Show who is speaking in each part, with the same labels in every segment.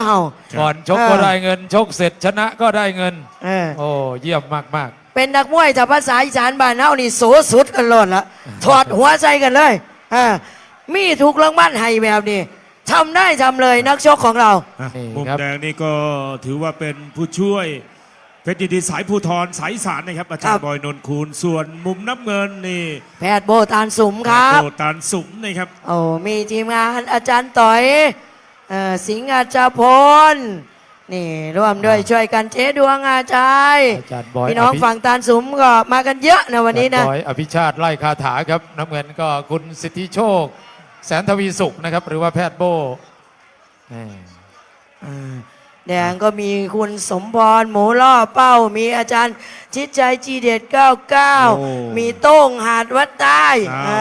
Speaker 1: ก่อนชกก็ได้เงินชกเสร็จชนะก็ได้เงินโอ้เยี่ยมมาก
Speaker 2: เป็นนักมวยจากภาษาอีสานบ้านเฮานี่โสสุดกันโลดละถอดหัวใจกันเลยมีถูกรางวัลให้แบบนี้ทำได้ทำเลยนักชกของเรา
Speaker 3: มุมแดงนี่ก็ถือว่าเป็นผู้ช่วยเพชรยินดีสายภูธรสายสารนะครับอาจารย์บอยนนท์คูณส่วนมุมน้ำเงินนี่
Speaker 2: แพทย์โบตานสุมครับ
Speaker 3: โบตานสุมนะครับ
Speaker 2: โอ้มีทีมงานอาจารย์ต่อยสิงห์อาจารย์พลนี่ร่วมด้วยช่วยกันเจ๊ดวงอาจารย์พี่น้องฝั่งตานสุมก็มากันเยอะนะวันนี้นะ
Speaker 1: บอยอภิชาติไล่คาถาครับน้ำเงินก็คุณสิทธิโชคแสนทวีสุขนะครับหรือว่าแพทย์โบ
Speaker 2: แดงก็มีคุณสมพรหมูล่อเป้ามีอาจารย์ชิดใจจีเด็ด99มีโต้งหาดวัดใต้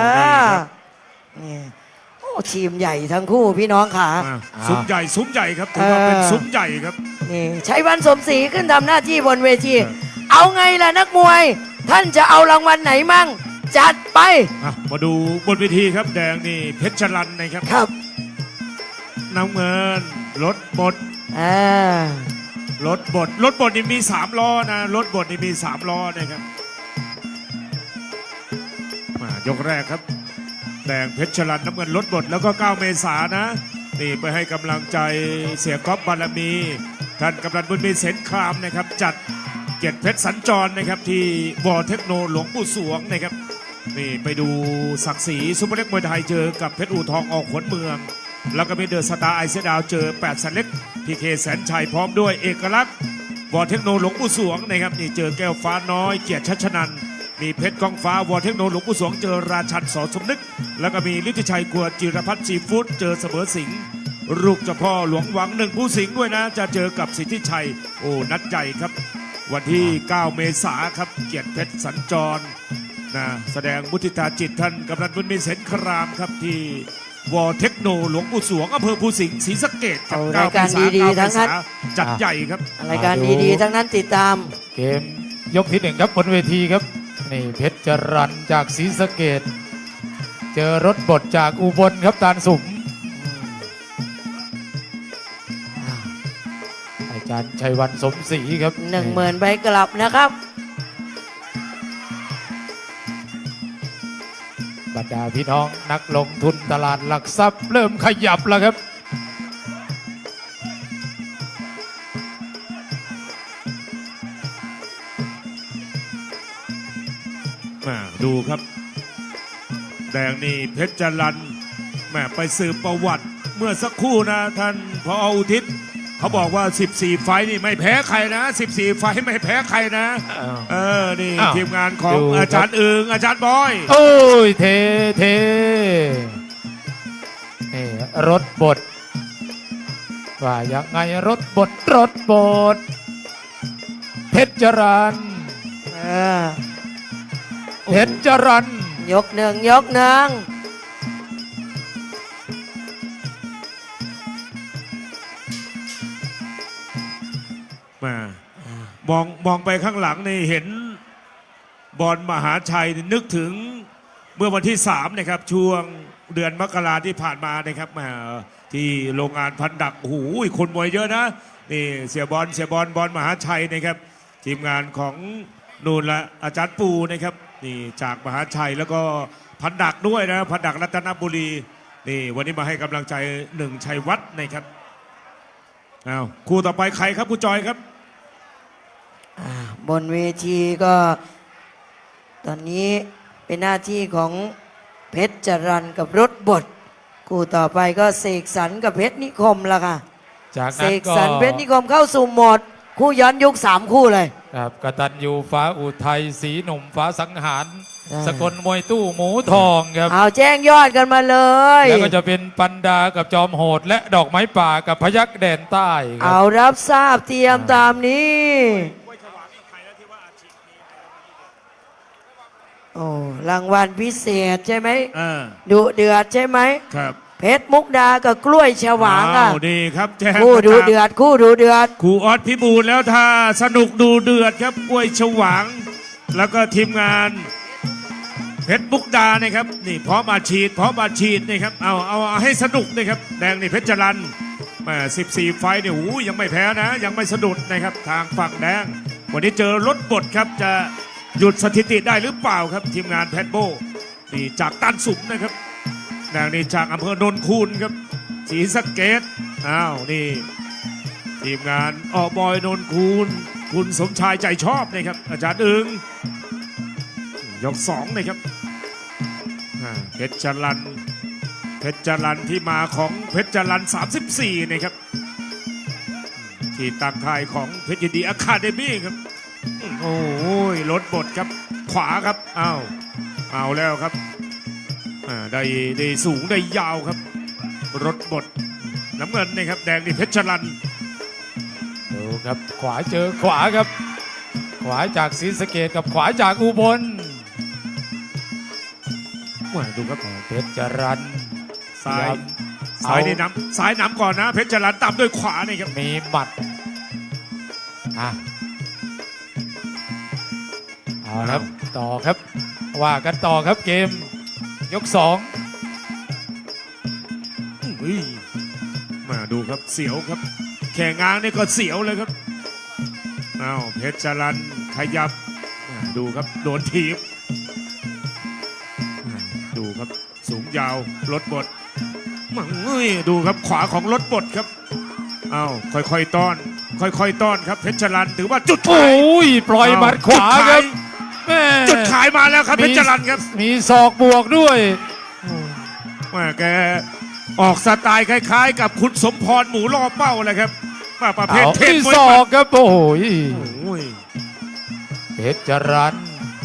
Speaker 2: โอ้ทีมใหญ่ทั้งคู่พี่น้องค่ะ
Speaker 3: ซุ้มใหญ่ครับถือว่าเป็นซุ้มใหญ่ครับ
Speaker 2: นี่ชัยวันสมศรีขึ้นทำหน้าที่บนเวทีเอาไงล่ะนักมวยท่านจะเอารางวัลไหนมั่งจัดไป
Speaker 3: มาดูบนเวทีครับแดงนี่เพชรชลันนะครับ
Speaker 2: ครับ
Speaker 3: น้ำเงินรถบดรถบดนี่มี3ล้อนะรถบดนี่มี3ล้อนะครับยกแรกครับแดงเพชรชลันน้ำเงินรถบดแล้วก็9 เมษายนนะนี่ไปให้กำลังใจเสียก๊อฟบารมีท่านกำนันบุญมีเสนครามนะครับจัดเกียรติเพชรสัญจรนะครับที่วอเทคโนหลวงปู่สวงนะครับนี่ไปดูศักดิ์ศรีซุปเปอร์เล็กมวยไทยเจอกับเพชรอู่ทองออกขนเมืองแล้วก็มีเดอะสตาร์ไอเซดาวเจอ8 สันเล็กพีเคแสนชัยพร้อมด้วยเอกลักษณ์วอเทคโนหลวงปู่สวงนะครับนี่เจอแก้วฟ้าน้อยเกียรติชัชนันมีเพชรกองฟ้าวอเทคโนหลวงปู่สวงเจอราชันสอสมนึกแล้วก็มีฤทธิชัยกวจิรพัฒน์ซีฟู้ดเจอเสมอสิงห์ลูกเจ้าพ่อหลวงหวัง1 ผู้สิงห์ด้วยนะจะเจอกับสิทธิชัยโอ้นัดใหญ่ครับวันที่9 เมษายนครับเกียรติเพชรสัญจรนะแสดงมุทิตาจิตท่านกำนันบุญมีเสนครามครับที่วอเทคโนหลวงปู่สวงอำเภอภูสิงห์ศรีสะเกษครับ
Speaker 2: รายการดีๆทั้งนั้น
Speaker 3: จัดใหญ่ครับ
Speaker 2: รายการดีๆทั้งนั้นติดตาม
Speaker 1: เกมยกที่1ครับบนเวทีครับนี่เพชรจรัญจากศรีสะเกษเจอรถบดจากอุบลครับตาลสุมอาจารย์ชัยวันสมศรีครับ
Speaker 2: 10,000 ใบกลับนะครับ
Speaker 1: บรรดาพี่น้องนักลงทุนตลาดหลักทรัพย์เริ่มขยับแล้วครับ
Speaker 3: ดูครับแดงนี่เพชรจรัญไปสืบประวัติเมื่อสักครู่นะท่านพออุทิศเขาบอกว่า14 ไฟนี่ไม่แพ้ใครนะ14 ไฟไม่แพ้ใครนะนี่ทีมงานของอาจารย์อึงอาจารย์บอย
Speaker 1: โอ้ยเทรถบดว่าอย่างไงรถบดเพชรจรัญเพชรจรัญ
Speaker 2: ยกหนึ่ง
Speaker 3: มองไปข้างหลังนี่เห็นบอลมหาชัยนึกถึงเมื่อวันที่3นะครับช่วงเดือนมกราที่ผ่านมานะครับที่โรงงานพันดักโอ้โหคนมวยเยอะนะนี่เสียบอลมหาชัยนะครับทีมงานของนูนละอาจารย์ปูนะครับนี่จากมหาชัยแล้วก็พันดักด้วยนะพันดักรัตนบุรีนี่วันนี้มาให้กำลังใจ1 ชัยวัฒน์นะครับคู่ต่อไปใครครับคุณจอยครับ
Speaker 2: บนเวทีก็ตอนนี้เป็นหน้าที่ของเพชรจรัญกับรถบดคู่ต่อไปก็เสกสรรกับเพชรนิคมละค่ะ
Speaker 1: จาก
Speaker 2: นั้นก็เสกสรรเพชรนิคมเข้าสู่โหมดคู่ย้อนยุค3 คู่เลย
Speaker 1: ครับกตัญญูฟ้าอุทัยศรีหนุ่มฟ้าสังหารสกลมวยตู้หมูทองครับ
Speaker 2: เอาแจ้งยอดกันมาเลย
Speaker 1: แล้วก็จะเป็นปันดากับจอมโหดและดอกไม้ป่ากับพยัคฆ์แดนใต้
Speaker 2: เอารับทราบเตรียมตามนี้โอ้รางวัลพิเศษใช่ไหมดุเดือดใช่ไหม
Speaker 3: ครับ
Speaker 2: เพชรมุกดากับกล้วยฉวาง
Speaker 3: ดีครับ
Speaker 2: คู่ดูเดือดคู่
Speaker 3: ออสพิบูลแล้วถ้าสนุกดูเดือดครับกล้วยฉวางแล้วก็ทีมงานเพชรมุกดานะครับนี่พร้อมมาฉีดนี่ครับเอาให้สนุกนี่ครับแดงนี่เพชรจรัญ 14 ไฟต์เนี่ยยังไม่แพ้นะ ยังไม่สะดุดนะครับทางฝั่งแดงวันนี้เจอรถบดครับจะหยุดสถิติได้หรือเปล่าครับทีมงานแพทโบนี่จากตันสุมนะครับแดงนี่จากอำเภอโนนคูนครับศรีสะเกษอ้าวนี่ทีมงานอบอยโนนคูนคุณสมชายใจชอบนะครับอาจารย์อึงยก2นะครับเพชรจรันที่มาของเพชรจรัน34นะครับที่ตั้งค่ายของเพชรยินดีอะคาเดมี่ครับโอ้ยรถบดครับขวาครับเอาแล้วครับได้สูงได้ยาวครับรถบดน้ำเงินนะครับแดงนี่เพชรจรัน
Speaker 1: ดูครับขวาเจอขวาครับ ขวาจากศรีสะเกษกับขวาจากอุบล
Speaker 3: ดูครับ
Speaker 1: เพชรจรัน
Speaker 3: ซ้ายนี่ซ้ายน้ำก่อนนะเพชรจรันตามด้วยขวานี่ครับ
Speaker 1: มีหมัดเอาครับต่อครับว่ากันต่อครับเกมยก
Speaker 3: มาดูครับเสียวครับแข่งงานนี่ก็เสียวเลยครับเพชรจรันขยับดูครับโดนทีบดูครับสูงยาวรถบดดูครับขวาของรถบดครับค่อยๆต้อนครับเพชรจรันถือว่าจุด
Speaker 1: 2โอ้ยปล่อยหมัดขวาครับแม่
Speaker 3: จุดขายมาแล้วครับเพชรจรันครับ
Speaker 1: มีศอกบวกด้วย
Speaker 3: แกออกสไตล์คล้ายๆ กับคุณสมพรหมูล่อเป้าเลยครับประเภทเทพ
Speaker 1: มี
Speaker 3: มวย
Speaker 1: ศอกครับโอ้ย
Speaker 3: ย
Speaker 1: เพชรจรัน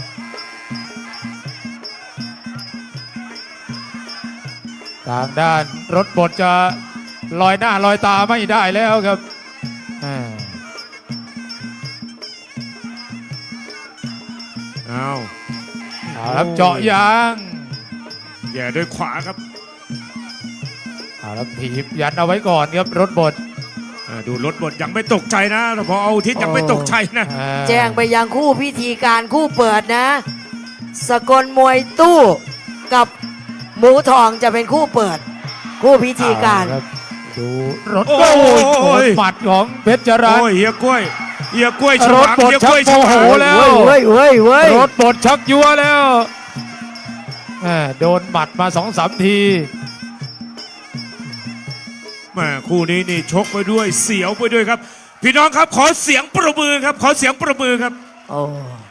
Speaker 1: ทางด้านรถบดจะลอยหน้าลอยตาไม่ได้แล้วครับเอาครับเจาะยาง
Speaker 3: แย่ด้วยขวาครับ
Speaker 1: เอาครับถีบยันเอาไว้ก่อนครับรถบด
Speaker 3: ดูรถบดยังไม่ตกใจนะพอเอาทิศยังไม่ตกใจนะ
Speaker 2: แจ้งไปยังคู่พิธีการคู่เปิดนะ สกลมวยตู้กับหมูทองจะเป็นคู่เปิด คู่พิธีการ
Speaker 1: เอครับดูรถโอ้ยหมัดของเพชรจรัน
Speaker 3: โอ้ยเฮียกล้วยฉ
Speaker 1: ร
Speaker 3: ลา
Speaker 1: ถ
Speaker 3: ม
Speaker 1: บด
Speaker 3: เฮีย
Speaker 1: ชั
Speaker 3: ก
Speaker 1: ก
Speaker 3: ล้วย
Speaker 1: โม
Speaker 3: ฉ
Speaker 1: โห
Speaker 3: ลาม
Speaker 1: แล้ว
Speaker 2: เว้ย
Speaker 1: รถบดชักยัวแล้วโดนหมัดมา 2-3 ที
Speaker 3: คู่นี้นี่ชกไปด้วยเสียวไปด้วยครับ พี่น้องครับขอเสียงประมือครับขอเสียงประมือครับ
Speaker 2: โอ้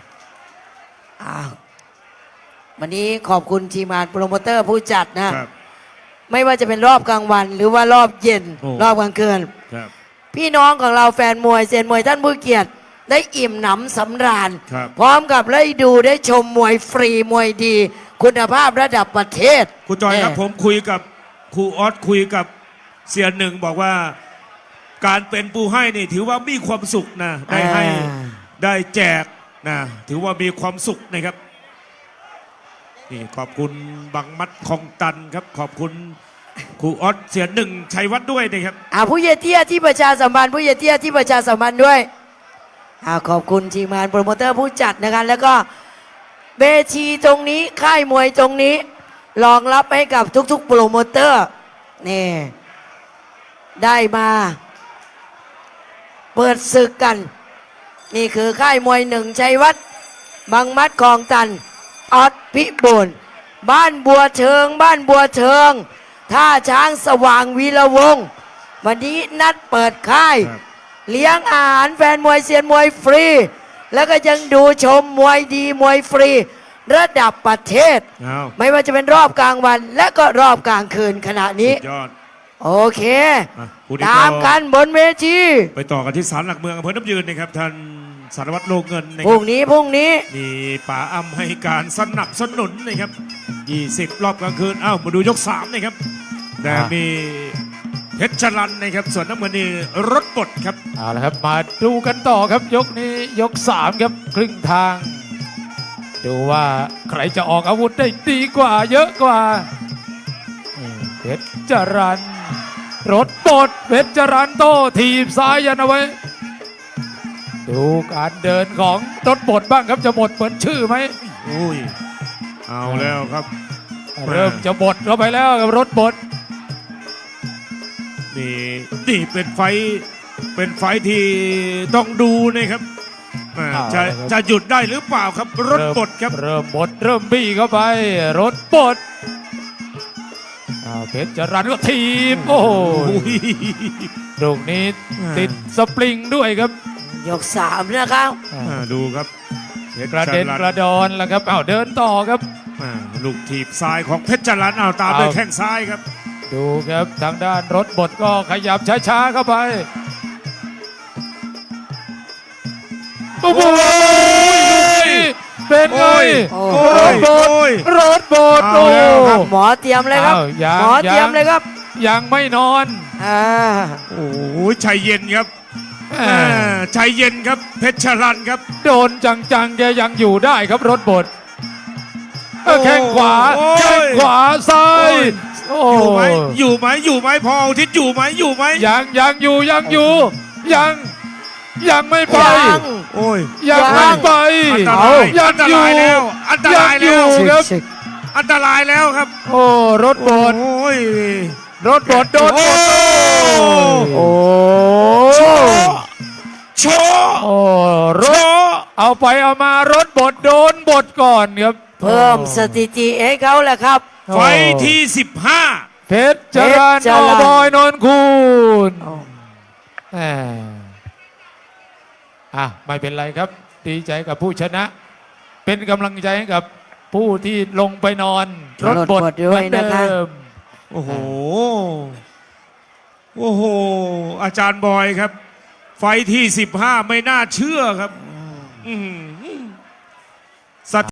Speaker 2: วันนี้ขอบคุณทีมงานโปรโมเตอร์ผู้จัดนะ
Speaker 3: ครับ
Speaker 2: ไม่ว่าจะเป็นรอบกลางวันหรือว่ารอบเย็น
Speaker 3: โอ้
Speaker 2: รอบกลางคืน
Speaker 3: ครับ
Speaker 2: พี่น้องของเราแฟนมวยเซียนมวยท่านผู้เกียรติ ได้อิ่มหนำสำราญ
Speaker 3: ครับ
Speaker 2: พร้อมกับได้ดูได้ชมมวยฟรีมวยดี คุณภาพระดับประเทศ
Speaker 3: ครูจอยครับผมคุยกับครูออสคุยกับเสียหนึ่งบอกว่าการเป็นปูให้นี่ถือว่ามีความสุขนะได้ให้ได้แจกนะถือว่ามีความสุขนะครับนี่ขอบคุณบังมัดคลองตันครับขอบคุณครูออสเสียหนึ่งชัยวัฒน์ด้วยนะครับ
Speaker 2: ผู้เยเตี้ยที่ประชาสัมพันธ์ผู้เยเตี้ยที่ประชาสัมพันธ์ด้วยขอบคุณทีมงานโปรโมเตอร์ผู้จัดนะครับแล้วก็เวทีตรงนี้ค่ายมวยตรงนี้รองรับให้กับทุกๆโปรโมเตอร์นี่ได้มาเปิดศึกกัน นี่คือค่ายมวยหนึ่งชัยวัฒน์บังมัดคลองตันออดพิบูลบ้านบัวเชิงท่าช้างสว่างวีระวงศ์วันนี้นัดเปิดค่าย
Speaker 3: ครับ
Speaker 2: เลี้ยงอาหารแฟนมวยเซียนมวยฟรี แล้วก็ยังดูชมมวยดีมวยฟรี ระดับประเทศ
Speaker 3: เอา
Speaker 2: ไม่ว่าจะเป็นรอบกลางวัน และก็รอบกลางคืนขณะนี้
Speaker 3: สุดยอด
Speaker 2: โอเค
Speaker 3: คู่นี้
Speaker 2: ตามกันบนเวที
Speaker 3: ไปต่อกันที่ศาลหลักเมืองอำเภอน้ำยืนนะครับท่านสารวัตรโลเงินนะ
Speaker 2: พ
Speaker 3: ค
Speaker 2: รุ่
Speaker 3: รั
Speaker 2: ง
Speaker 3: บ
Speaker 2: นี้
Speaker 3: มีป๋าอ้ำให้การสนับสนุนนะครับ20 รอบกลางคืนมาดูยก3นะครับแต่มีเพชรจรันนะครับส่วนน้ำเงินนี่รถบดครับ
Speaker 1: เอาละครับมาดูกันต่อครับยกนี้ยก 3 ครับครึ่งทาง ดูว่าใครจะออกอาวุธได้ดีกว่าเยอะกว่านี่เพชรจรันรถบดเพชรจรันโต้ทีบซ้ายยันเอาไว้ ดูการเดินของรถบดบ้างครับจะบดเหมือนชื่อไหม
Speaker 3: อุ้ยเอาแล้วครับ
Speaker 1: เริ่มจะบดเข้าไปแล้วกับรถบด
Speaker 3: นี่เป็นไฟท์ที่ต้องดูนะครับจะหยุดได้หรือเปล่าครับรถบดครับ
Speaker 1: เริ่มบดเริ่มบี้เข้าไป รถบดเพชรจรันก็ทีบโอ้โหลูกนี้ติดสปริงด้วยครับ
Speaker 2: ยกสามนะครับ
Speaker 3: ดูครับเพชร
Speaker 1: กระเด็น
Speaker 3: จ
Speaker 1: กระดอนแล้วครับเดินต่อครับ
Speaker 3: ลูกถีบซ้ายของเพชรจรันตามด้วยแข้งซ้ายครับ
Speaker 1: ดูครับทางด้านรถบดก็ขยับช้าๆเข้าไปโอ้โหเป็นไง
Speaker 2: โอ้
Speaker 1: รถบด
Speaker 3: เอา
Speaker 1: โอ้
Speaker 3: แล้วครับ
Speaker 2: หมอเตรียมเลยครับ
Speaker 1: ยัง
Speaker 2: หมอเตรียมเลยครับ
Speaker 1: ยังไม่นอน
Speaker 2: อ่า
Speaker 3: โอ้ยใจเย็นครับ
Speaker 1: แหม่
Speaker 3: ใจเย็นครับเพชรจรันครับ
Speaker 1: โดนจังๆแกยังอยู่ได้ครับรถบด
Speaker 3: โอ้
Speaker 1: แข้งขวา
Speaker 3: โอ้ย
Speaker 1: แข้งขวาซ้ายโอ้
Speaker 3: อยู่ไหมพออาทิตย์อยู่ไหม
Speaker 1: ยังอยู่ยังไม่ไป
Speaker 2: ยัง
Speaker 3: โอ้ย
Speaker 1: ยังไม่ไป
Speaker 3: อันต
Speaker 1: เอา
Speaker 3: ราย
Speaker 1: ยัง
Speaker 3: อันต
Speaker 1: อยู่
Speaker 3: รายแล้วอันตราย
Speaker 1: ยังอ
Speaker 3: แล้ว
Speaker 1: ยู่ ครับ
Speaker 2: ศึก
Speaker 3: อันตรายแล้วครับ
Speaker 1: โอ้รถบด
Speaker 3: โอ้ย
Speaker 1: รถบดโดนบด
Speaker 2: โอ้
Speaker 3: โชว์
Speaker 1: โอ้ร
Speaker 3: โช
Speaker 1: ถ
Speaker 3: ว์
Speaker 1: เอาไปเอามารถบดโดนบดก่อนครับ
Speaker 2: เพิ่มสถิติให้เขาแหละครับ
Speaker 3: ไฟท์ที่
Speaker 1: เพชรจรัน
Speaker 2: เพชรจรั
Speaker 1: อ
Speaker 2: ญ
Speaker 1: บอยนนคูณ
Speaker 2: โอ้
Speaker 1: แหมไม่เป็นไรครับ ดีใจกับผู้ชนะ เป็นกำลังใจให้กับผู้ที่ลงไปนอนรถบด
Speaker 2: ด้วยนะคะ
Speaker 1: เหมือเดิม
Speaker 3: โอ้โห อาจารย์บอยครับ ไฟท์ที่ 15 ไม่น่าเชื่อครับ อื้อหือ